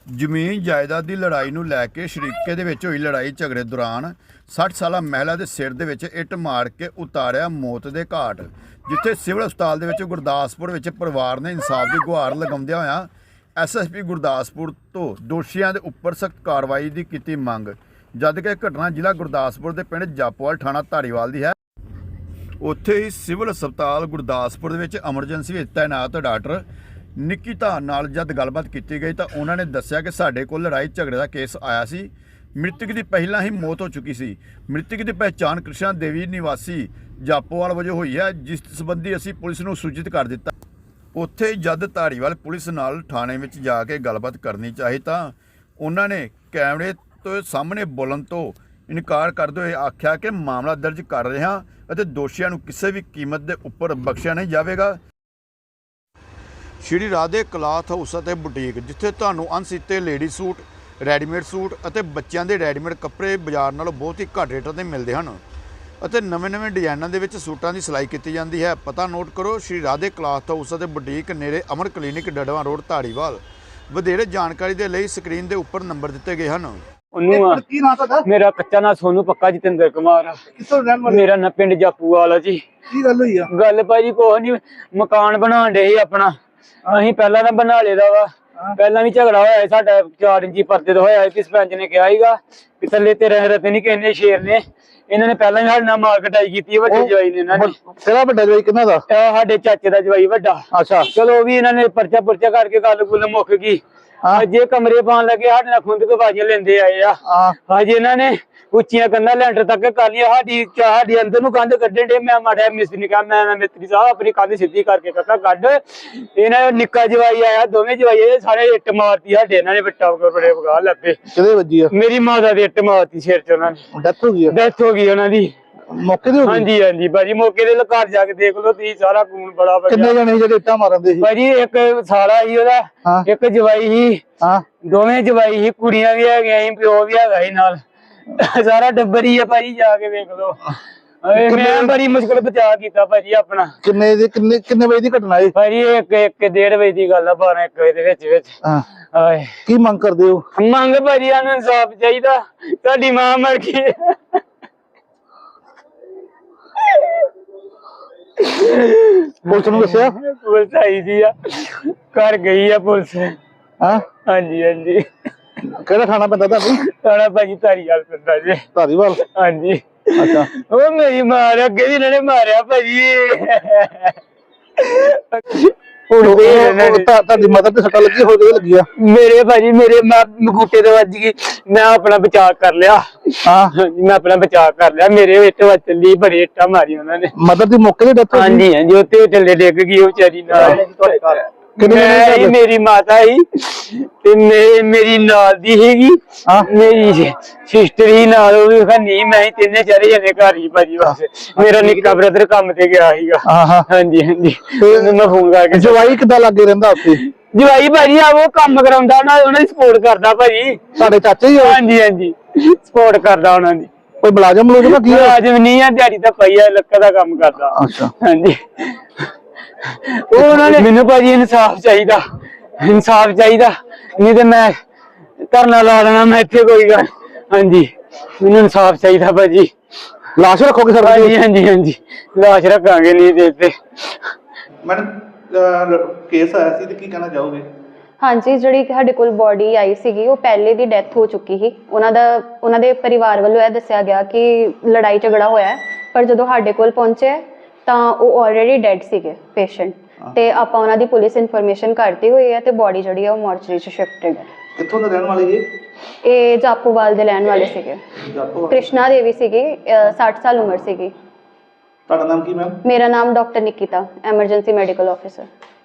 ਜ਼ਮੀਨ ਜਾਇਦਾਦ ਦੀ ਲੜਾਈ ਨੂੰ ਲੈ ਕੇ ਸ਼ਰੀਕੇ ਦੇ ਵਿੱਚ ਹੋਈ ਲੜਾਈ ਝਗੜੇ ਦੌਰਾਨ 60 ਸਾਲਾ ਮਹਿਲਾ ਦੇ ਸਿਰ ਦੇ ਵਿੱਚ ਇੱਟ ਮਾਰ ਕੇ ਉਤਾਰਿਆ ਮੌਤ ਦੇ ਘਾਟ। ਜਿੱਥੇ ਸਿਵਲ ਹਸਪਤਾਲ ਦੇ ਵਿੱਚ ਗੁਰਦਾਸਪੁਰ ਵਿੱਚ ਪਰਿਵਾਰ ਨੇ ਇਨਸਾਫ ਦੀ ਗੁਹਾਰ ਲਗਾਉਂਦਿਆਂ ਹੋਇਆਂ ਐਸਐਸਪੀ ਗੁਰਦਾਸਪੁਰ ਤੋਂ ਦੋਸ਼ੀਆਂ ਦੇ ਉੱਪਰ ਸਖਤ ਕਾਰਵਾਈ ਦੀ ਕੀਤੀ ਮੰਗ। ਜਦ ਕਿ ਘਟਨਾ ਜ਼ਿਲ੍ਹਾ ਗੁਰਦਾਸਪੁਰ ਦੇ ਪਿੰਡ ਜਾਪੋਵਾਲ ਥਾਣਾ ਧਾਰੀਵਾਲ ਦੀ ਹੈ। ਉੱਥੇ ਹੀ ਸਿਵਲ ਹਸਪਤਾਲ ਗੁਰਦਾਸਪੁਰ ਦੇ ਵਿੱਚ ਐਮਰਜੈਂਸੀ ਵਿੱਚ ਤੈਨਾਤ ਡਾਕਟਰ ਨਿੱਕੀਤਾ ਨਾਲ ਜਦ ਗੱਲਬਾਤ ਕੀਤੀ ਗਈ ਤਾਂ ਉਹਨਾਂ ਨੇ ਦੱਸਿਆ ਕਿ ਸਾਡੇ ਕੋਲ ਲੜਾਈ ਝਗੜੇ ਦਾ ਕੇਸ ਆਇਆ ਸੀ। ਮ੍ਰਿਤਕ ਦੀ ਪਹਿਲਾਂ ਹੀ ਮੌਤ ਹੋ ਚੁੱਕੀ ਸੀ। ਮ੍ਰਿਤਕ ਦੀ ਪਹਿਚਾਣ ਕ੍ਰਿਸ਼ਨਾ ਦੇਵੀ ਨਿਵਾਸੀ ਜਾਪੋਵਾਲ ਵਜੋਂ ਹੋਈ ਹੈ, ਜਿਸ ਸੰਬੰਧੀ ਅਸੀਂ ਪੁਲਿਸ ਨੂੰ ਸੂਚਿਤ ਕਰ ਦਿੱਤਾ। ਉੱਥੇ ਜਦ ਧਾਰੀਵਾਲ ਪੁਲਿਸ ਨਾਲ ਥਾਣੇ ਵਿੱਚ ਜਾ ਕੇ ਗੱਲਬਾਤ ਕਰਨੀ ਚਾਹੀ ਤਾਂ ਉਹਨਾਂ ਨੇ ਕੈਮਰੇ ਤੋਂ ਸਾਹਮਣੇ ਬੋਲਣ ਤੋਂ ਇਨਕਾਰ ਕਰਦੇ ਹੋਏ ਆਖਿਆ ਕਿ ਮਾਮਲਾ ਦਰਜ ਕਰ ਰਹੇ ਹਾਂ ਅਤੇ ਦੋਸ਼ੀਆਂ ਨੂੰ ਕਿਸੇ ਵੀ ਕੀਮਤ ਦੇ ਉੱਪਰ ਬਖਸ਼ਿਆ ਨਹੀਂ ਜਾਵੇਗਾ। ਸ਼੍ਰੀ ਰਾਧੇ ਕਲਾਥ ਹਾਊਸ ਅਤੇ ਬੁਟੀਕ, ਜਿੱਥੇ ਤੁਹਾਨੂੰ ਅਣਸੀਤੇ ਲੇਡੀ ਸੂਟ, ਰੈਡੀਮੇਡ ਸੂਟ ਅਤੇ ਬੱਚਿਆਂ ਦੇ ਰੈਡੀਮੇਡ ਕੱਪੜੇ ਬਾਜ਼ਾਰ ਨਾਲੋਂ ਬਹੁਤ ਹੀ ਘੱਟ ਰੇਟਾਂ 'ਤੇ ਮਿਲਦੇ ਹਨ ਅਤੇ ਨਵੇਂ-ਨਵੇਂ ਡਿਜ਼ਾਈਨਾਂ ਦੇ ਵਿੱਚ ਸੂਟਾਂ ਦੀ ਸਿਲਾਈ ਕੀਤੀ ਜਾਂਦੀ ਹੈ। ਪਤਾ ਨੋਟ ਕਰੋ, ਸ਼੍ਰੀ ਰਾਧੇ ਕਲਾਥ ਹਾਊਸ ਅਤੇ ਬੁਟੀਕ, ਨੇੜੇ ਅਮਰ ਕਲੀਨਿਕ, ਡੜਵਾ ਰੋਡ, ਧਾਰੀਵਾਲ। ਵਧੇਰੇ ਜਾਣਕਾਰੀ ਦੇ ਲਈ ਸਕਰੀਨ ਦੇ ਉੱਪਰ ਨੰਬਰ ਦਿੱਤੇ ਗਏ ਹਨ। ਕੀ ਨਾਮ ਤੁਹਾਡਾ? ਮੇਰਾ ਕੱਚਾ ਨਾਂ ਸੋਨੂ, ਪੱਕਾ ਜਤਿੰਦਰ ਕੁਮਾਰ ਆ। ਕਿੱਥੋਂ ਰਹਿਣ ਵਾਲੇ? ਮੇਰਾ ਨਾਂ ਪਿੰਡ ਜਾਪੂਵਾਲ ਆ ਜੀ। ਕੀ ਗੱਲ ਹੋਈ ਆ? ਗੱਲ ਭਾਜੀ ਕੁਛ ਨੀ, ਮਕਾਨ ਬਣਾਉਣ ਡੇ ਸੀ ਆਪਣਾ। ਅਸੀਂ ਪਹਿਲਾਂ ਤਾਂ ਬਣਾ ਲਿਆ ਵਾ। ਪਹਿਲਾਂ ਵੀ ਝਗੜਾ ਹੋਇਆ ਸਾਡਾ 4 ਇੰਚੀ ਪਰਦੇ ਦਾ ਹੋਇਆ ਸੀ। ਸਰਪੰਚ ਨੇ ਕਿਹਾ ਸੀਗਾ ਕਿ ਥੱਲੇ ਤੇ ਰਹਿ ਰਤੇ ਨਹੀਂ ਕਹਿੰਦੇ ਸ਼ੇਰ ਨੇ। ਇਹਨਾਂ ਨੇ ਪਹਿਲਾਂ ਵੀ ਸਾਡੇ ਨਾਲ ਮਾਰ ਕਟਾਈ ਕੀਤੀ ਹੈ। ਵੱਡੇ ਜਵਾਈ ਨੇ ਇਹਨਾਂ ਨੇ। ਕਿਹੜਾ ਵੱਡਾ ਜਵਾਈ ਕਿਹਨਾਂ ਦਾ? ਸਾਡੇ ਚਾਚੇ ਦਾ ਜਵਾਈ ਵੱਡਾ। ਅੱਛਾ, ਚਲੋ ਉਹ ਵੀ ਇਹਨਾਂ ਨੇ ਪਰਚਾ ਪੁਰਚਾ ਕਰਕੇ ਗੱਲ ਗੁੱਲ ਮੁੱਕ ਗਈ। ਜੇ ਕਮਰੇ ਪਾਉਣ ਲੱਗੇ ਸਾਡੇ ਨਾਲ ਖੁੰਦ ਕੇ ਬਾਜੀਆਂ ਲੈਂਦੇ ਆਏ ਆ। ਹਾਂਜੀ, ਇਹਨਾਂ ਨੇ ਉੱਚੀਆਂ ਕੰਧਾਂ ਲੈਂਟਰ ਤੱਕ ਕਰ ਲਿਆ। ਸਾਡੀ ਅੰਦਰ ਨੂੰ ਕੰਧ ਕੱਢਣ ਦੇ। ਮੈਂ ਮਾੜਾ ਮਿਸਤਰੀ ਨੇ ਕਿਹਾ, ਮੈਂ ਮਿਸਤਰੀ ਸਾਹਿਬ ਆਪਣੀ ਕੰਧ ਸਿੱਧੀ ਕਰਕੇ ਕਾਕਾ ਕੱਢ। ਇਹਨਾਂ ਨਿੱਕਾ ਜਵਾਈ ਆਇਆ, ਦੋਵੇਂ ਜਵਾਈ ਆਏ, ਸਾਰੇ ਇੱਟ ਮਾਰਤੀ ਸਾਡੇ। ਇਹਨਾਂ ਨੇ ਬੱਟਾ ਬੜੇ ਵਗਾ ਲੱਪੇ। ਕਿਹਦੇ ਵੱਜੀ ਆ? ਮੇਰੀ ਮਾਤਾ ਦੀ ਇੱਟ ਮਾਰਤੀ ਸਿਰ 'ਚ। ਉਹਨਾਂ ਨੇ ਡੈਥ ਹੋ ਗਈ ਆ? ਡੈਥ ਹੋ ਗਈ ਉਹਨਾਂ ਦੀ ਮੌਕੇ ਤੇ ਹੋ ਗਈ? ਹਾਂਜੀ ਹਾਂਜੀ ਭਾਜੀ, ਮੌਕੇ ਦੇ ਘਰ ਜਾ ਕੇ ਦੇਖ ਲਓ ਤੁਸੀਂ, ਸਾਰਾ ਖੂਨ ਬੜਾ ਵਗਿਆ। ਕਿੰਨੇ ਜਣੇ ਜਿਹੜੇ ਇੱਟਾਂ ਮਾਰਦੇ ਸੀ? ਭਾਜੀ ਇੱਕ ਸਾਲਾ ਸੀ ਉਹਦਾ, ਇੱਕ ਜਵਾਈ ਸੀ, ਦੋਵੇਂ ਜਵਾਈ ਸੀ, ਕੁੜੀਆਂ ਵੀ ਹੈਗੀਆਂ ਸੀ, ਪਿਓ ਵੀ ਹੈਗਾ ਸੀ ਨਾਲ। ਸਾਰਾ ਟੱਬਰ ਹੀ ਆ ਭਾਜੀ, ਜਾ ਕੇ ਵੇਖ ਲਓ। ਮੈਂ ਬੜੀ ਮੁਸ਼ਕਲ ਬਚਾ ਕੀਤਾ ਭਾਜੀ ਆਪਣਾ। ਕਿੰਨੇ ਵਜੇ ਦੀ ਘਟਨਾ ਹੈ ਭਾਜੀ? 1-1:30 ਵਜੇ ਦੀ ਗੱਲ ਆ, 12-1 ਵਜੇ ਦੇ ਵਿੱਚ। ਕੀ ਮੰਗ ਕਰਦੇ ਹੋ? ਮੰਗ ਭਾਜੀ ਸਾਨੂੰ ਇਨਸਾਫ ਚਾਹੀਦਾ। ਤੁਹਾਡੀ ਮਾਂ ਮਰ ਗਈ। ਪੁਲਿਸ ਨੂੰ ਦੱਸਿਆ? ਪੁਲਿਸ ਆਈ ਸੀ ਆ, ਘਰ ਗਈ ਆ ਪੁਲਿਸ। ਹਾਂਜੀ ਹਾਂਜੀ। ਕਿਹੜਾ ਥਾਣਾ ਪੈਂਦਾ ਤੁਹਾਨੂੰ? ਥਾਣਾ ਭਾਜੀ ਧਾਰੀਵਾਲ ਪੈਂਦਾ ਜੀ। ਧਾਰੀਵਾਲ? ਹਾਂਜੀ। ਅੱਛਾ, ਉਹ ਮੇਰੀ ਮਾਂ ਨੇ ਅੱਗੇ ਵੀ ਇਹਨਾਂ ਨੇ ਮਾਰਿਆ ਭਾਜੀ। ਤੁਹਾਡੀ ਮਦਰ ਤੇ ਸੱਟਾਂ ਲੱਗੀ? ਹੋ ਗਈ ਲੱਗੀ ਆ? ਮੇਰੇ ਭਾਜੀ ਮੇਰੇ ਮਗੂਟੇ ਤੇ ਵੱਜ ਗਈ। ਮੈਂ ਆਪਣਾ ਬਚਾਅ ਕਰ ਲਿਆ। ਮੈਂ ਆਪਣਾ ਬਚਾਅ ਕਰ ਲਿਆ। ਮੇਰੇ ਇੱਟ ਵੱਜ ਚੱਲੀ, ਬੜੀ ਇੱਟਾਂ ਮਾਰੀ ਉਹਨਾਂ ਨੇ। ਮਦਰ ਦੀ ਮੌਕੇ ਤੇ ਡੈਥ? ਹਾਂਜੀ ਹਾਂਜੀ, ਉੱਤੇ ਥੱਲੇ ਡਿੱਗ ਗਈ ਉਹ ਵਿਚਾਰੀ ਨਾਲ। ਮੇਰੀ ਮਾਤਾ ਸੀ ਤੇ ਮੇਰੀ ਨਾਲ ਦੀ ਸੀਗੀ, ਮੇਰੀ ਸਿਸਟਰ ਹੀ ਨਾਲ, ਉਹ ਵੀ ਨਹੀਂ। ਮੈਂ ਹੀ ਤਿੰਨੇ ਚਾਰੇ ਜਣੇ ਘਰ ਹੀ ਭਾਜੀ। ਬਸ ਮੇਰਾ ਨਿੱਕਾ ਬ੍ਰਦਰ ਕੰਮ ਤੇ ਗਿਆ ਸੀਗਾ। ਹਾਂਜੀ ਹਾਂਜੀ, ਮੈਂ ਫੋਨ ਕਰਕੇ। ਜਵਾਈ ਕਿੱਦਾਂ ਲੱਗੇ ਰਹਿੰਦਾ ਉੱਥੇ? ਜਵਾਈ ਭਾਜੀ ਆ ਉਹ ਕੰਮ ਕਰਾਉਂਦਾ, ਉਹਨਾਂ ਦੀ ਸਪੋਰਟ ਕਰਦਾ ਭਾਜੀ। ਸਾਡੇ ਚਾਚੇ ਹੀ? ਹਾਂਜੀ ਹਾਂਜੀ, ਸਪੋਰਟ ਕਰਦਾ ਉਹਨਾਂ ਦੀ। ਕੋਈ ਮੁਲਾਜ਼ਮ ਲੋਕ? ਮੁਲਾਜ਼ਮ ਨਹੀਂ ਆ, ਦਿਹਾੜੀ ਤਾਂ ਪਈ ਆ, ਲੱਕੜ ਦਾ ਕੰਮ ਕਰਦਾ। ਅੱਛਾ, ਹਾਂਜੀ। ਉਹ ਉਹਨਾਂ ਨੇ ਮੈਨੂੰ ਭਾਜੀ ਇਨਸਾਫ ਚਾਹੀਦਾ, ਇਨਸਾਫ ਚਾਹੀਦਾ, ਨਹੀਂ ਤੇ ਮੈਂ ਧਰਨਾ ਲਾ ਦੇਣਾ ਮੈਂ ਇੱਥੇ ਕੋਈ ਗੱਲ। ਹਾਂਜੀ, ਮੈਨੂੰ ਇਨਸਾਫ ਚਾਹੀਦਾ ਭਾਜੀ। ਲਾਸ਼ ਰੱਖੋਗੇ ਸਰ? ਹਾਂਜੀ ਹਾਂਜੀ ਹਾਂਜੀ, ਲਾਸ਼ ਰੱਖਾਂਗੇ। ਨਹੀਂ ਤੇ ਇੱਥੇ ਮੈਡਮ ਕੇਸ ਆਇਆ ਸੀ ਤੇ ਕੀ ਕਹਿਣਾ ਚਾਹੋਗੇ? ਹਾਂਜੀ, ਜਿਹੜੀ ਸਾਡੇ ਕੋਲ ਬੋਡੀ ਆਈ ਸੀਗੀ ਉਹ ਪਹਿਲੇ ਦੀ ਡੈਥ ਹੋ ਚੁੱਕੀ ਸੀ। ਉਹਨਾਂ ਦੇ ਪਰਿਵਾਰ ਵੱਲੋਂ ਇਹ ਦੱਸਿਆ ਗਿਆ ਕਿ ਲੜਾਈ ਝਗੜਾ ਹੋਇਆ, ਪਰ ਜਦੋਂ ਸਾਡੇ ਕੋਲ ਪਹੁੰਚੇ ਤਾਂ ਉਹ ਆਲਰੇਡੀ ਡੈਡ ਸੀਗੇ ਪੇਸ਼ੈਂਟ। ਤੇ ਆਪਾਂ ਉਹਨਾਂ ਦੀ ਪੁਲਿਸ ਇਨਫੋਰਮੇਸ਼ਨ ਕਰਤੀ ਹੋਈ ਹੈ ਤੇ ਬੋਡੀ ਜਿਹੜੀ ਆ ਉਹ ਮੋਰਚਰੀ 'ਚ ਸ਼ਿਫਟਡ ਹੈ। ਕਿੱਥੋਂ ਦੇ ਰਹਿਣ ਵਾਲੇ ਜੀ? ਇਹ ਜਾਪੂਵਾਲ ਦੇ ਰਹਿਣ ਵਾਲੇ ਸੀਗੇ। ਕ੍ਰਿਸ਼ਨਾ ਦੇਵੀ ਸੀਗੀ, 60 ਸਾਲ ਉਮਰ ਸੀਗੀ। ਤੁਹਾਡਾ ਨਾਮ ਕੀ ਮੈਮ? ਮੇਰਾ ਨਾਮ doctor Nikita, emergency medical officer.